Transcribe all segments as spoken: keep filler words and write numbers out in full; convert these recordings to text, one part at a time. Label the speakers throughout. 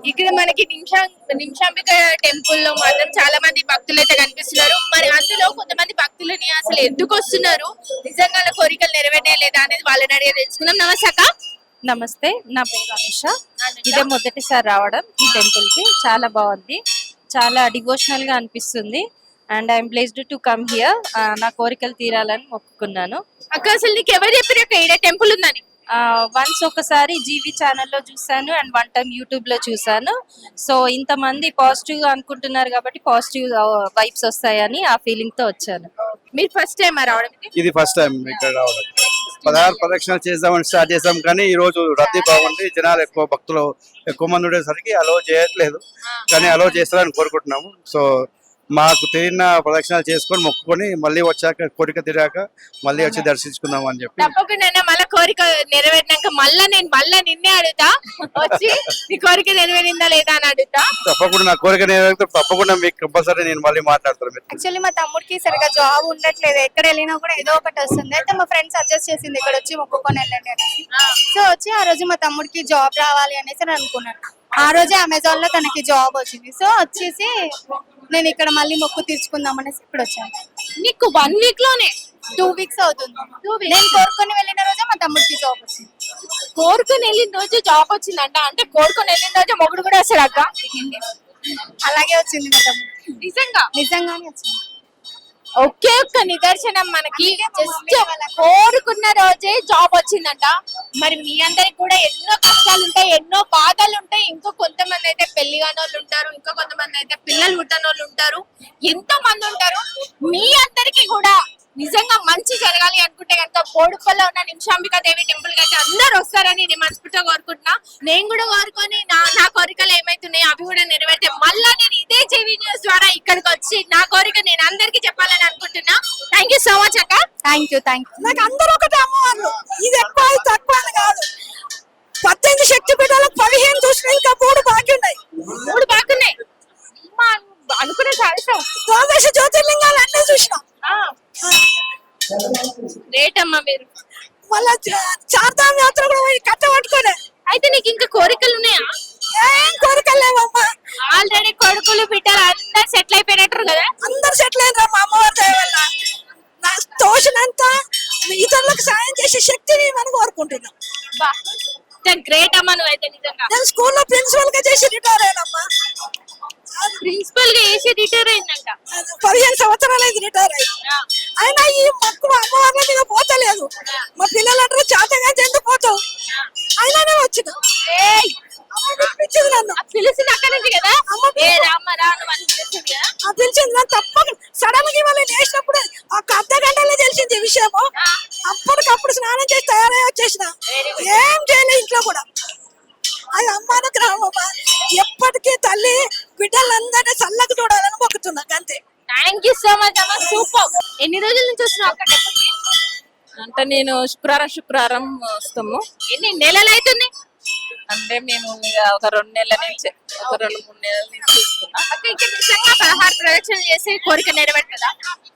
Speaker 1: ఇక్కడ మనకి నిమిషా నిమిషాంబిక టెంపుల్ లో మాత్రం చాలా మంది భక్తులు అయితే కనిపిస్తున్నారు. మరి అందులో కొంతమంది భక్తులని అసలు ఎందుకు వస్తున్నారు, నిజంగా వాళ్ళ కోరికలు నెరవేరలేదా అనేది వాళ్ళని అడిగి తెలుసుకుందాం. నమస్తే అక్క.
Speaker 2: నమస్తే, నా పేరు అనుష. ఇదే మొదటిసారి రావడం ఈ టెంపుల్ కి. చాలా బాగుంది, చాలా డివోషనల్ గా అనిపిస్తుంది. And I'm blessed to come here. నా కోరికలు తీరాలని మొక్కుకున్నాను.
Speaker 1: అక్క అసలు నీకు ఎవరు చెప్పారు అక్క ఈడ టెంపుల్ ఉందని?
Speaker 2: వన్స్ ఒకసారి జీవి ఛానల్లో చూసాను అండ్ వన్ టైం యూట్యూబ్ లో చూసాను. సో ఇంతమంది పాజిటివ్ గా అనుకుంటున్నారు కాబట్టి పాజిటివ్ వైబ్స్ వస్తాయని ఆ ఫీలింగ్ తో వచ్చాను.
Speaker 1: మీరు ఫస్ట్ టైం రావడం?
Speaker 3: ఇది ఫస్ట్ టైం ఇక్కడ రావడం. పదహారు ప్రదక్షిణలు చేద్దామని స్టార్ట్ చేసాం కానీ ఈ రోజు రద్దీ బాగుంది, జనాలు ఎక్కువ, భక్తులు ఎక్కువ మంది ఉండేసరికి అలో చేయట్లేదు. కానీ అలో చేస్తారని కోరుకుంటున్నాము. సో మాకు తిరిగిన ప్రదక్షిణాలు చేసుకొని మొక్కుకొని మళ్ళీ వచ్చాక కోరిక తిరాక మళ్ళీ వచ్చి దర్శించుకుందాం అని చెప్పి.
Speaker 1: తప్పకుండా మళ్ళీ కోరిక నెరవేరినాక మళ్ళా నేను మళ్ళా నిన్నే అడుగుతా, వచ్చి నీ కోరిక నెరవేరిందా లేదా అని అడుగుతా.
Speaker 3: తప్పకుండా నా కోరిక నెరవేరితే తప్పకుండా మీకు కంపల్సరీ నేను మళ్ళీ మాట్లాడతాను.
Speaker 4: యాక్చువల్లీ మా తమ్ముడికి సరిగా జాబ్ ఉండట్లేదు, ఎక్కడ వెళ్ళినా కూడా ఏదో ఒకటి వస్తుంది. అయితే మా ఫ్రెండ్ సజెస్ట్ చేసింది ఇక్కడ వచ్చి మొక్కుకొని వెళ్ళండి అనేసి. సో వచ్చి ఆ రోజు మా తమ్ముడికి జాబ్ రావాలి అనేసి నేను అనుకున్నాను. ఆ రోజే అమెజాన్ లో తనకి జాబ్ వచ్చింది. సో వచ్చేసి నేను ఇక్కడ మళ్ళీ మొక్కు తీర్చుకుందాం అనేసి ఇప్పుడు వచ్చాను.
Speaker 1: నీకు వన్ వీక్ లోనే
Speaker 4: టూ వీక్స్ అవుతుంది. నేను కోరుకొని వెళ్ళిన రోజే మా తమ్ముడికి జాబ్ వచ్చింది.
Speaker 1: కోరుకొని వెళ్ళిన రోజు జాబ్ వచ్చిందంట, అంటే కోరుకొని వెళ్ళిన రోజు మొగుడు కూడా వస్తాడు అక్క?
Speaker 4: అలాగే వచ్చింది మా తమ్ముడు.
Speaker 1: నిజంగా
Speaker 4: నిజంగానే వచ్చింది.
Speaker 1: ఒకే ఒక్క నిదర్శనం మనకి, జస్ట్ కోరుకున్న రోజే జాబ్ వచ్చిందంట. మరి మీ అందరికి కూడా ఎన్నో కష్టాలు ఉంటాయి, ఎన్నో బాధలు ఉంటాయి. ఇంకో కొంతమంది అయితే పెళ్లి కాని వాళ్ళు ఉంటారు, ఇంకో కొంతమంది అయితే పిల్లలు పుట్టని వాళ్ళు ఉంటారు, ఎంతో మంది ఉంటారు. మీ అందరికి కూడా నిజంగా మంచి జరగాలి అనుకుంటే కనుక బోడుపల్లో ఉన్న నిమిషాంబికా దేవి టెంపుల్ కి అయితే అందరు వస్తారని నేను మనస్ఫూర్తిగా కోరుకుంటున్నా. నేను కూడా కోరుకొని నా నా కోరికలు ఏమైతున్నాయో అవి కూడా నెరవేర్తే మళ్ళా నేను ఇదే జేవీ న్యూస్ ద్వారా ఇక్కడికి వచ్చి నా కోరిక నేను అందరికి చెప్పాలని అనుకుంటున్నా. థ్యాంక్ యూ సో మచ్ అక్క.
Speaker 4: Thank you thank you.
Speaker 5: నాకు అందరూ ఒకటే అమ్మవాళ్ళు, ఇది ఎక్కువ తక్కువ అని కాదు. పద్దెనిమిది శక్తి పీఠాలకు పదిహేను చూసిన ఇంకా మూడు బాకీ ఉన్నాయి.
Speaker 1: మూడు బాగున్నాయి అనుకునే సాధిస్తాం.
Speaker 5: ద్వాదశ జ్యోతిర్లింగాలు అన్నీ చూసినాం.
Speaker 1: రేట్ అమ్మా మీరు.
Speaker 5: మళ్ళా చార్ధామ్ యాత్ర కూడా పోయి కట్ట పట్టుకోలే.
Speaker 1: అయితే నీకు ఇంకా కోరికలు ఉన్నాయా?
Speaker 5: ఏం కోరికలు లేవమ్మా.
Speaker 1: ఆల్రెడీ కొడుకులు బిడ్డలు అందరు సెటిల్ అయిపోయినట్టు కదా?
Speaker 5: అందరు సెటిల్ అయినరా మా అమ్మవారి దయ వల్ల. నా తోచినంత ఇతరులకు సాయం చేసే శక్తిని మనం కోరుకుంటున్నాం.
Speaker 1: గ్రేట్ అమ్మా నువ్వైతే నిజంగా.
Speaker 5: నేను స్కూల్లో ప్రిన్సిపల్ గా చేసి రిటైర్ అయినమ్మా.
Speaker 1: ప్రిన్సిపల్ గా వేసి రిటైర్ అయిందంట.
Speaker 5: పదిహేను సంవత్సరాలు అయింది రిటైర్ అయ్యి. అయినా ఈ మక్కువ అమ్మవార్ల మీద పోతలేదు. మా పిల్లలు అంటారు చాతగా చెందు పోతావు, అయినానే వచ్చిన పిలిచింది నన్ను.
Speaker 1: పిలిచింది అక్కడి నుంచి కదా? ఏ రామ్మ రా నువ్వు అని పిలిచింది కదా?
Speaker 5: పిలిచింది నన్ను. తప్పక సడన్ గా వాళ్ళు లేచినప్పుడు ఒక అర్ధ గంటలో తెలిసింది విషయము. అప్పటికప్పుడు స్నానం చేసి తయారై వచ్చేసిన. ఏం చేయలేదు ఇంట్లో కూడా. అది అమ్మాన గ్రామమ్మ. ఎప్పటికీ తల్లి బిడ్డలందరినీ చల్లకు చూడాలని మొక్కుతున్నా అంతే.
Speaker 1: థ్యాంక్ యూ సో మచ్ అమ్మ, సూపర్. ఎన్ని రోజుల నుంచి వస్తున్నావు అక్కడ టెంపుల్కి?
Speaker 2: అంటే నేను శుక్రవారం శుక్రవారం వస్తాము.
Speaker 1: ఎన్ని నెలలు అవుతుంది?
Speaker 2: అంటే మేము ఇక ఒక రెండు నెలల నుంచి ఒక రెండు మూడు నెలల నుంచి వస్తున్నాం.
Speaker 1: అక్క ఇక్కడ నిజంగా పదహారు ప్రదక్షిణలు చేసి కోరిక నెరవేరుతుందా?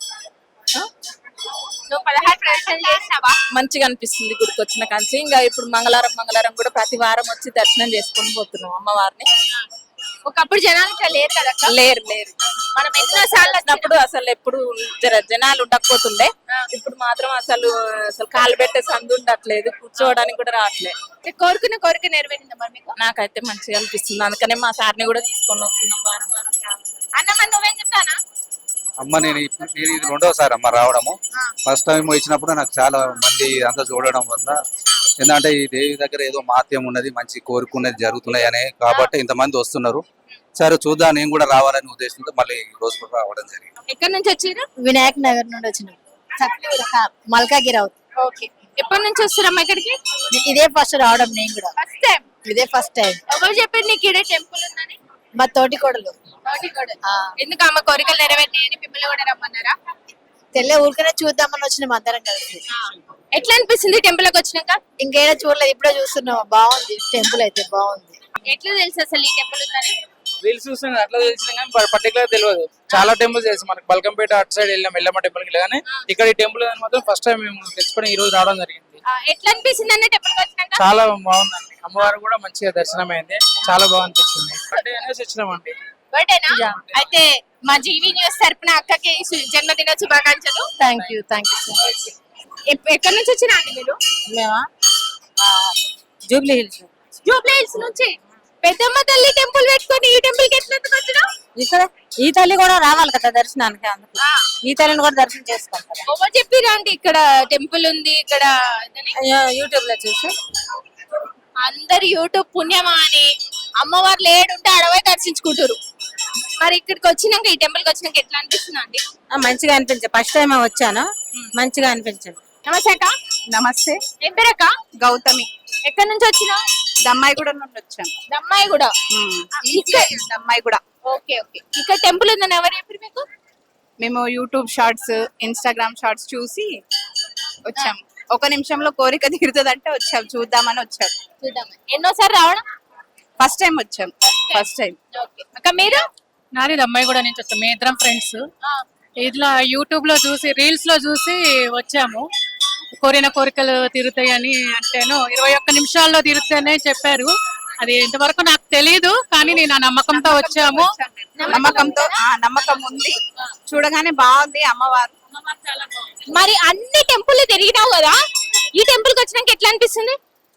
Speaker 1: నువ్వు పదహారు ప్రదక్షిణలు చేసినావా?
Speaker 2: మంచిగా అనిపిస్తుంది గుడికి వచ్చిన కాంచి. ఇంకా ఇప్పుడు మంగళవారం మంగళవారం కూడా ప్రతి వారం వచ్చి దర్శనం చేసుకొని పోతున్నాం అమ్మవారిని.
Speaker 1: ఒకప్పుడు జనాలు ఇక్కడ లేరు కదా?
Speaker 2: లేరు లేరు
Speaker 1: మనం ఎన్నో సార్లు
Speaker 2: వచ్చినప్పుడు అసలు ఎప్పుడు జర జనాలు ఉండకపోతుండే. ఇప్పుడు మాత్రం అసలు అసలు కాలు పెట్టే సందు ఉండట్లేదు, కూర్చోవడానికి కూడా రావట్లేదు.
Speaker 1: కోరుకున్న కోరిక నెరవేరిందా మరి మీకు?
Speaker 2: నాకైతే మంచిగా అనిపిస్తుంది, అందుకనే మా సార్ని కూడా తీసుకొని వస్తున్నాం వారం వారం.
Speaker 1: అన్నమ్మ నువ్వేం చెప్తానా?
Speaker 6: అమ్మ నేను ఇప్పుడు నేను ఇది రెండోసారి అమ్మ రావడము. ఫస్ట్ టైం వచ్చినప్పుడు నాకు చాలా మంది అంతా చూడడం వల్ల ఎందుకంటే ఈ దేవి దగ్గర ఏదో మాత్యం ఉన్నది, మంచి కోరుకున్నది జరుగుతున్నాయి అనే కాబట్టి ఇంతమంది వస్తున్నారు. సరే చూద్దాం, నేను కూడా రావాలని ఉద్దేశంతో మళ్ళీ ఈ రోజు కూడా రావడం జరిగింది.
Speaker 1: ఎక్కడి నుంచి వచ్చారు?
Speaker 4: వినాయక్ నగర్ నుండి వచ్చినాం. మల్కాగిరి అవుతుంది.
Speaker 1: ఓకే. ఎప్పటి నుంచి వస్తారమ్మా ఇక్కడికి?
Speaker 4: ఇదే ఫస్ట్ రావడం నేను కూడా.
Speaker 1: First time?
Speaker 4: ఇదే ఫస్ట్ టైం.
Speaker 1: ఎవరు చెప్పారు నీకు ఇదే టెంపుల్ ఉందని?
Speaker 4: మా తోటి కోడలు.
Speaker 1: తోటి కోడలు. ఎందుకు అమ్మ కోరికలు నెరవేరినాయని మిమ్మల్ని కూడా రమ్మన్నారా?
Speaker 4: తెల్ల ఊరికనే చూద్దామని వచ్చినాం అందరం కలిసి.
Speaker 1: ఎట్లా అనిపిస్తుంది టెంపుల్ కి వచ్చినాక?
Speaker 4: ఇంకేదో చూడలేదు, ఇప్పుడే చూస్తున్నాం. బాగుంది టెంపుల్ అయితే, బాగుంది.
Speaker 1: ఎట్లా తెలుసు అసలు ఈ టెంపుల్ ఉందని?
Speaker 7: రీల్స్ చూస్తాం అట్లా తెలిసిన కానీ పర్టికులర్ తెలియదు. చాలా టెంపుల్స్ తెలుసు మనకి, బల్కంపేట అటు సైడ్ వెళ్ళాం ఎల్లమ్మ టెంపుల్ కి. కానీ ఇక్కడ ఈ టెంపుల్ మాత్రం ఫస్ట్ టైం మేము తెచ్చుకొని ఈ రోజు రావడం జరిగింది.
Speaker 1: ఎట్లా అనిపిస్తుంది అన్న టెంపుల్ కి వచ్చినాక?
Speaker 7: చాలా బాగుందండి, అమ్మవారు కూడా మంచిగా దర్శనం అయింది, చాలా బాగా అనిపించింది. బర్త్డే అనేసి వచ్చినామండి.
Speaker 1: బర్త్డేనా? అయితే మా జీవి న్యూస్ తరపున అక్కకి సు- జన్మదిన శుభాకాంక్షలు.
Speaker 2: Thank you thank you so much.
Speaker 1: ఎప్- ఎక్కడి నుంచి వచ్చినా అండి మీరు?
Speaker 2: మేమా జూబ్లీ హిల్స్
Speaker 1: జూబ్లీ హిల్స్ నుంచి. పెద్దమ్మ తల్లి టెంపుల్ పెట్టుకొని ఈ టెంపుల్ కి ఎట్లా వచ్చినా?
Speaker 2: ఇక్కడ ఈ తల్లి కూడా రావాలి కదా దర్శనానికి, అందుకు ఈ తల్లిని కూడా దర్శనం చేసుకోవాలి.
Speaker 1: ఎవరు చెప్పిరా అండి ఇక్కడ టెంపుల్ ఉంది ఇక్కడ ఇదని?
Speaker 2: యూట్యూబ్ లో చూసి
Speaker 1: అందరు యూట్యూబ్ పుణ్యమా అని అమ్మవారు లేడుంటే అడవై దర్శించుకుంటారు. మరి ఇక్కడికి వచ్చినాక ఈ టెంపుల్ కి వచ్చినాక ఎట్లా అనిపిస్తుంది అండి?
Speaker 2: ఆ, మంచిగా అనిపించింది. ఫస్ట్ టైం వచ్చాను, మంచిగా అనిపించింది.
Speaker 1: నమస్తే అక్క.
Speaker 4: నమస్తే.
Speaker 1: ఏం పేరు అక్క?
Speaker 4: గౌతమి.
Speaker 1: ఎక్కడి నుంచి వచ్చినా?
Speaker 4: దమ్మాయిగూడ నుండి వచ్చాను.
Speaker 1: దమ్మాయి కూడా.
Speaker 4: దమ్మాయిగూడ.
Speaker 1: Okay okay. ఇక్కడ టెంపుల్ ఉందని ఎవరు చెప్పారు మీకు?
Speaker 4: మేము యూట్యూబ్ షార్ట్స్, ఇన్స్టాగ్రామ్ షార్ట్స్ చూసి వచ్చాం. ఒక నిమిషంలో కోరిక తీరుతుందంటే వచ్చాం, చూద్దామని వచ్చాం.
Speaker 1: చూద్దాం. ఎన్నోసారి రావడం?
Speaker 4: ఫస్ట్ టైం వచ్చాం. First time.
Speaker 1: ఓకే అక్క. మీరు?
Speaker 8: నాది అమ్మాయి కూడా నుంచి వస్తాం, మేము ఇద్దరం ఫ్రెండ్స్.
Speaker 1: ఆ,
Speaker 8: ఇట్లా యూట్యూబ్ లో చూసి రీల్స్ లో చూసి వచ్చాము. కోరిన కోరికలు తీరుతాయని అంటేను ఇరవై ఒక్క నిమిషాల్లో తీరుతాయని చెప్పారు. అది ఇంతవరకు నాకు తెలియదు, కానీ నేను ఆ నమ్మకంతో వచ్చాము.
Speaker 4: నమ్మకంతో ఆ నమ్మకం ఉంది. చూడగానే బాగుంది అమ్మవారు.
Speaker 1: మరి అన్ని టెంపుల్ తిరిగినావు కదా, ఈ టెంపుల్ కి వచ్చినాక ఎట్లా అనిపిస్తుంది?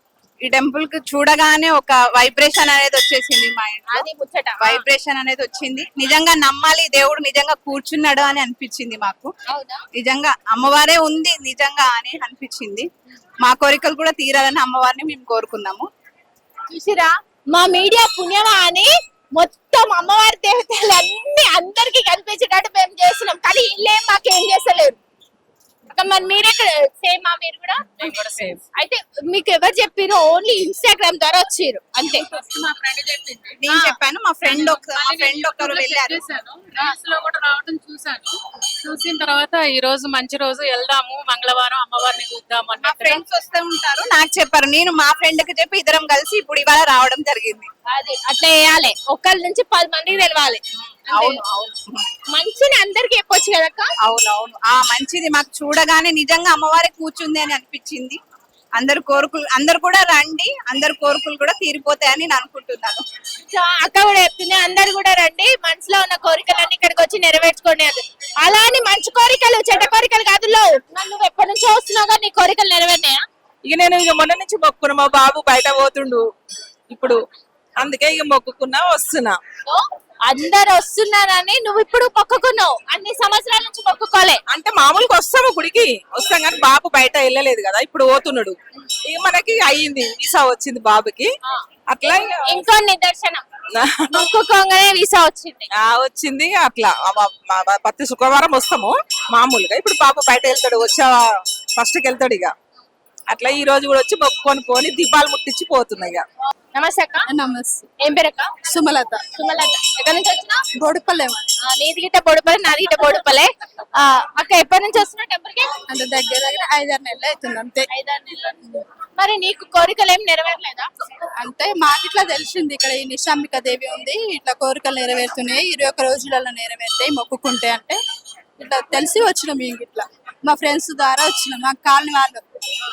Speaker 4: ఈ టెంపుల్ కి చూడగానే ఒక వైబ్రేషన్ అనేది వచ్చేసింది మా ఇంట్లో.
Speaker 1: అది ముచ్చట.
Speaker 4: వైబ్రేషన్ అనేది వచ్చింది. నిజంగా నమ్మాలి, దేవుడు నిజంగా కూర్చున్నాడు అని అనిపించింది మాకు.
Speaker 1: అవునా?
Speaker 4: నిజంగా అమ్మవారే ఉంది నిజంగా అని అనిపించింది. మా కోరికలు కూడా తీరాలని అమ్మవారిని మేము కోరుకున్నాము.
Speaker 1: చూసిరా, మా మీడియా పుణ్యమా అని మొత్తం అమ్మవారి దేవతలు అన్ని అందరికి కనిపించేటట్టు మేము చేస్తున్నాం, కానీ ఇల్లేం మాకేం చేస్తలేరు. అక్క మరి మీరెక్కడ సేమ్ మీరు కూడా?
Speaker 8: సేమ్.
Speaker 1: అయితే మీకు ఎవరు చెప్పారు? ఓన్లీ ఇన్స్టాగ్రామ్ ద్వారా వచ్చారు అంతే?
Speaker 8: మా ఫ్రెండ్ చెప్పింది.
Speaker 4: నేను చెప్పాను, మా ఫ్రెండ్ ఒక మా ఫ్రెండ్ ఒకరు వెళ్ళారు.
Speaker 8: రీల్స్ లో కూడా రావడం చూసాను. చూసిన తర్వాత ఈ రోజు మంచి రోజు, వెళ్దాము మంగళవారం అమ్మవారిని చూద్దాం
Speaker 4: మా
Speaker 8: అన్నట్టుగా.
Speaker 4: ఫ్రెండ్స్ వస్తూ ఉంటారు, నాకు చెప్పారు. నేను మా ఫ్రెండ్ కి చెప్పి ఇద్దరం కలిసి ఇప్పుడు ఇవాళ రావడం జరిగింది.
Speaker 1: అది అట్లా వేయాలి, ఒకళ్ళ నుంచి పది మందికి తెలవాలి.
Speaker 4: అవును అవును
Speaker 1: మంచిని అందరికి చెప్పొచ్చు కదక్క.
Speaker 4: అవునవును. ఆ మంచిది మాకు చూడగానే నిజంగా అమ్మవారి కూర్చుంది అని అనిపించింది. అందరు కోరికలు అందరు కూడా రండి, అందరు కోరికలు కూడా తీరిపోతాయని నేను అనుకుంటున్నాను.
Speaker 1: సో అక్క కూడా చెప్తుంది, అందరు కూడా రండి, మనసులో ఉన్న కోరికలన్నీ ఇక్కడికి వచ్చి నెరవేర్చుకోండి అది. అలా అని మంచి కోరికలు చెడ్డ కోరికలు కాదు. లో నువ్వు ఎప్పటి నుంచో వస్తున్నావు, నీ కోరికలు నెరవేరినాయా?
Speaker 9: ఇక నేను ఇక మొన్న నుంచి మొక్కున్నా, మా బాబు బయట పోతుండు ఇప్పుడు, అందుకే ఇక మొక్కుకున్నా వస్తున్నా.
Speaker 1: సో అందరు వస్తున్నారని నువ్వు ఇప్పుడు మొక్కుకున్నావు, అన్ని సంవత్సరాల నుంచి మొక్కుకోలే.
Speaker 9: అంటే మామూలుగా వస్తాము గుడికి వస్తాం, కానీ బాబు బయట వెళ్ళలేదు కదా, ఇప్పుడు పోతున్నాడు. ఇక మనకి అయ్యింది, వీసా వచ్చింది బాబుకి. అట్లా ఇక
Speaker 1: ఇంకో నిదర్శనం, మొక్కుకోగానే వీసా వచ్చింది.
Speaker 9: ఆ వచ్చింది. అట్లా ఆ మా- మా ప్రతి శుక్రవారం వస్తాము మామూలుగా. ఇప్పుడు బాబు బయట వెళ్తాడు, వచ్చా ఫస్ట్కి వెళ్తాడు. ఇక అట్లా ఈ రోజు కూడా వచ్చి మొక్కుకొని పోని దీపాలు ముట్టించి పోతున్నాయి. ఇక
Speaker 1: నమస్తే అక్క.
Speaker 4: నమస్తే.
Speaker 1: ఏం పేరు అక్క?
Speaker 4: సుమలత.
Speaker 1: సుమలత. ఎక్కడి నుంచి వచ్చినా?
Speaker 4: బొడుపల్లె.
Speaker 1: నీది గిట్ట బొడుపలే, నాది గిట్ట బొడుపలే. ఆ, అక్క ఎప్పటి నుంచి వస్తున్నా టెంపుల్ కి?
Speaker 4: అంటే దగ్గర దగ్గర ఐదారు నెలలు అవుతుంది అంతే.
Speaker 1: ఐదారు నెలలు. మరి నీకు కోరికలు ఏం నెరవేరలేదా?
Speaker 4: అంటే మాకు ఇట్లా తెలిసింది, ఇక్కడ ఈ నిశాంబిక దేవి ఉంది, ఇట్లా కోరికలు నెరవేరుతున్నాయి, ఇరవై ఒక్క రోజులలో నెరవేరుతాయి మొక్కుకుంటే అంటే ఇట్లా తెలిసి వచ్చినాం. మేము ఇట్లా మా ఫ్రెండ్స్ ద్వారా వచ్చినాం, మా కాలనీ వాళ్ళు.